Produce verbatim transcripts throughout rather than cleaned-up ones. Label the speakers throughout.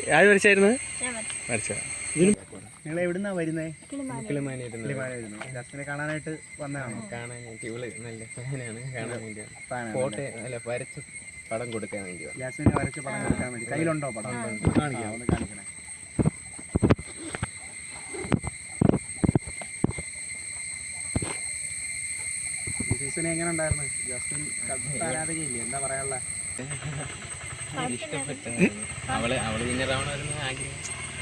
Speaker 1: ആര് വരച്ചായിരുന്നു? വരച്ച. നിങ്ങൾ എവിടുന്നാ വരുന്നേ? ജാസ്മിനെ കാണാനായിട്ട് വന്നതാണോ?
Speaker 2: കാണാനായിട്ട് ഇവള് നല്ല ഫാനാണ്, കാണാൻ വേണ്ടി ഫോട്ടോ അല്ല വരച്ച് പടം കൊടുക്കാൻ വേണ്ടി.
Speaker 1: ജാസ്മിനെ വരച്ച് പടം കൊടുക്കാൻ വേണ്ടി. കയ്യിലുണ്ടോ പടം? കാണിക്കാം, ഒന്ന് കാണിക്കണേ. ഈ സീസൺ എങ്ങനെ ഉണ്ടായിരുന്നു? ജാസ്മിൻ ആരാധകയില്ലേ, എന്താ പറയാനുള്ള?
Speaker 2: ഇഷ്ടപ്പെട്ട അവള് അവള് വിന്നറാവണമെന്ന് ആഗ്രഹം.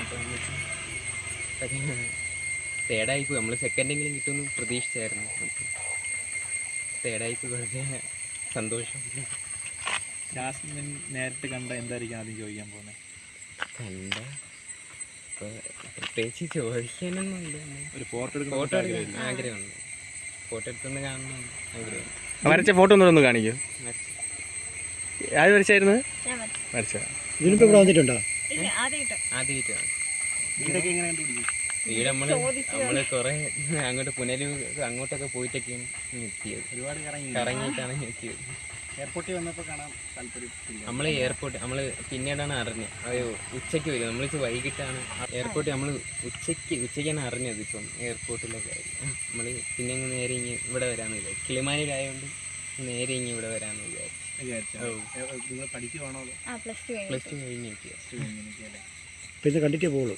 Speaker 2: അപ്പം തേർഡായിപ്പോയി. നമ്മൾ സെക്കൻഡെങ്കിലും കിട്ടുമെന്ന് പ്രതീക്ഷിച്ചായിരുന്നു. തേർഡായിപ്പോയി, വളരെ സന്തോഷം.
Speaker 1: ജാസ്മിൻ നേരിട്ട് കണ്ട എന്തായിരിക്കും ആദ്യം ചോദിക്കാൻ പോകുന്നത്?
Speaker 2: കണ്ട ഇപ്പോൾ പ്രത്യേകിച്ച് ചോദിക്കാനൊന്നുമില്ല.
Speaker 1: ഒരു ഫോട്ടോ എടുക്കാൻ
Speaker 2: ഫോട്ടോ എടുക്കാൻ ആഗ്രഹമുണ്ട്. ഫോട്ടോ എടുത്തൊന്ന് കാണണം ആഗ്രഹം.
Speaker 1: വരച്ച ഫോട്ടോ ഒന്നും കാണിക്കൂ. ആര് വരച്ചായിരുന്നു? വരച്ച. ഇതിനിപ്പോ ഇവിടെ വന്നിട്ടുണ്ടോ?
Speaker 2: ആദ്യമായിട്ടാണ്. വീടൊക്കെ എങ്ങനെ കണ്ടുപിടിക്കും? വീട് നമ്മള് നമ്മള് കുറെ അങ്ങോട്ട് പുനലൂർ അങ്ങോട്ടൊക്കെ പോയിട്ടൊക്കെയാണ് എത്തിയത്. ഒരുപാട് കറങ്ങിയിട്ടാണ് എത്തിയത്.
Speaker 1: എയർപോർട്ടിൽ വന്നപ്പോൾ കാണാൻ താല്പര്യം.
Speaker 2: നമ്മൾ എയർപോർട്ട് നമ്മൾ പിന്നീടാണ് അറിഞ്ഞത്. അത് ഉച്ചയ്ക്ക് വരും. നമ്മൾ വൈകിട്ടാണ് എയർപോർട്ടിൽ നമ്മൾ ഉച്ചയ്ക്ക് ഉച്ചയ്ക്കാണ് അറിഞ്ഞത്. ഇപ്പം എയർപോർട്ടിലൊക്കെ നമ്മൾ പിന്നെ ഇങ്ങ് നേരെ ഇങ്ങ് ഇവിടെ വരാമെന്ന് വിചാരിച്ചു. കിളിമാനൂരായതുകൊണ്ട് നേരെ ഇങ്ങ് ഇവിടെ വരാമെന്ന് വിചാരിച്ചു.
Speaker 1: നിങ്ങൾ പഠിക്കുവാണോ?
Speaker 2: പ്ലസ് ടു കഴിഞ്ഞ്
Speaker 1: പിന്നെ കണ്ടിട്ടേ പോകുള്ളൂ.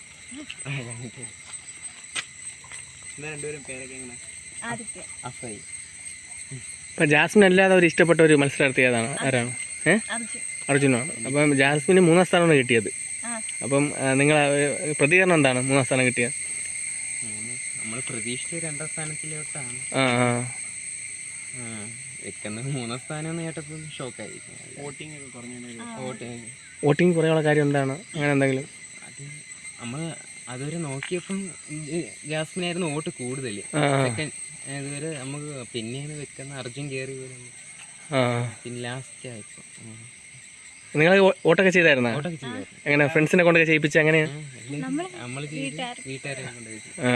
Speaker 1: രണ്ടുപേരും പേരൊക്കെ എങ്ങനെ? അഫൈ. ഇപ്പം ജാസ്മിൻ അല്ലാതെ ഒരു ഇഷ്ടപ്പെട്ട ഒരു മത്സരാർത്ഥി ഏതാണ്? ആരാണ്? ഏഹ് അർജുനാണ്. അപ്പം ജാസ്മിന് മൂന്നാം സ്ഥാനമാണ് കിട്ടിയത്. അപ്പം നിങ്ങൾ പ്രതികരണം എന്താണ് മൂന്നാം സ്ഥാനം കിട്ടിയത്?
Speaker 2: നമ്മൾ പ്രതീക്ഷിച്ച രണ്ടാം സ്ഥാനത്തിലോട്ടാണ്
Speaker 1: ആ ആ
Speaker 2: വെക്കുന്നത്. മൂന്നാം സ്ഥാനം കേട്ടപ്പോൾ ഷോക്കായി.
Speaker 1: വോട്ടിംഗ് ഒക്കെ കുറഞ്ഞ
Speaker 2: വോട്ടിംഗ്
Speaker 1: വോട്ടിംഗ് കുറയുള്ള കാര്യം എന്താണ്? അങ്ങനെ എന്തെങ്കിലും?
Speaker 2: അത് നമ്മൾ അതുവരെ നോക്കിയപ്പം ജാസ്മിനായിരുന്നു വോട്ട് കൂടുതൽ. സെക്കൻഡ് ഇതുവരെ നമുക്ക് പിന്നെയാണ് വെക്കുന്ന അർജുൻ കയറി വരും. പിന്നെ ലാസ്റ്റ് ആയപ്പോൾ
Speaker 1: നിങ്ങൾ വോട്ടൊക്കെ ചെയ്തായിരുന്നോ?
Speaker 2: വോട്ടൊക്കെ ചെയ്തായിരുന്നു.
Speaker 1: എങ്ങനെ ഫ്രണ്ട്സിനെ കൊണ്ടൊക്കെ ചെയ്യിപ്പിച്ച? എങ്ങനെയാ?
Speaker 2: നമ്മൾ വീട്ടുകാരെ കൊണ്ട്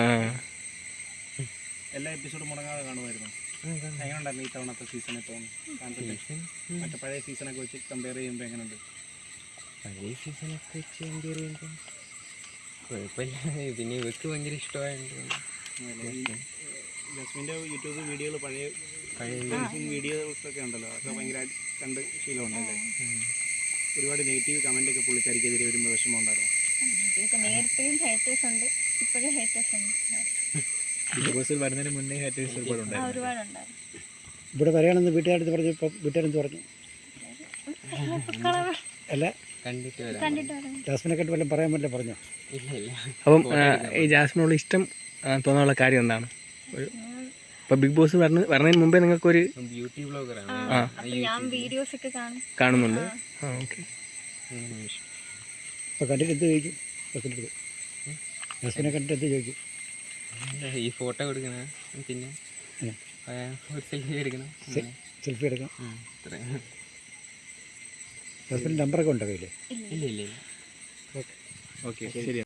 Speaker 1: എല്ലാ എപ്പിസോഡും മുടങ്ങാതെ കാണുമായിരുന്നു. എങ്ങനെയുണ്ടായിരുന്നു ഈ തവണത്തെ സീസൺ? ഇപ്പം മറ്റേ പഴയ സീസണൊക്കെ വെച്ച് കമ്പയർ ചെയ്യുമ്പോൾ എങ്ങനെയുണ്ട്?
Speaker 2: പഴയ സീസണൊക്കെ വെച്ച് കമ്പയർ ചെയ്യുമ്പോൾ കുഴപ്പമില്ല. പിന്നെ ഇവർക്ക് ഭയങ്കര ഇഷ്ടമായിട്ടുണ്ട്.
Speaker 1: ജസ്മിൻ്റെ യൂട്യൂബ് വീഡിയോകൾ പഴയ പഴയ വീഡിയോസൊക്കെ ഉണ്ടല്ലോ, അതൊക്കെ ഭയങ്കര കണ്ട് ശീലമുണ്ടല്ലേ? ഒരുപാട് നെഗറ്റീവ് കമൻ്റ് ഒക്കെ പുള്ളിക്കാരിക്കെതിരെ വരുമ്പോൾ വിഷമം ഉണ്ടായിരുന്നു. ബിഗ് ബോസിൽ വരുന്നതിന് മുന്നേ ഹേറ്റേഴ്സ് ഒരുപാടുണ്ടായിരുന്നു. ഇവിടെ വരികയാണെന്ന് വീട്ടുകാരെടുത്ത് പറഞ്ഞു. ഇപ്പം വീട്ടുകാരെന്ത് പറഞ്ഞു? അല്ല ജാസ്മിനെ കണ്ട് വല്ലതും പറയാൻ പറ്റില്ല പറഞ്ഞോ? അപ്പം ഈ ജാസ്മിനോട് ഇഷ്ടം തോന്നാനുള്ള കാര്യം എന്താണ്? ഇപ്പം ബിഗ് ബോസ് വരണ വരണതിന് മുമ്പേ നിങ്ങൾക്കൊരു
Speaker 2: ബ്യൂട്ടി ബ്ലോഗറാണ്,
Speaker 1: കാണുന്നുണ്ട്. ആ ഓക്കെ. അപ്പോൾ കണ്ടിട്ട് എന്ത് ചോദിക്കും? ജാസ്മിനെ കണ്ടിട്ട് എന്ത് ചോദിക്കും?
Speaker 2: ഈ ഫോട്ടോ കൊടുക്കണ, പിന്നെ സെൽഫി എടുക്കണം.
Speaker 1: സെൽഫി എടുക്കണം. ജാസ്മിൻ്റെ നമ്പറൊക്കെ ഉണ്ടോ കയ്യിൽ?
Speaker 2: ഇല്ല ഇല്ല.
Speaker 1: ഓക്കെ ഓക്കെ ശരി.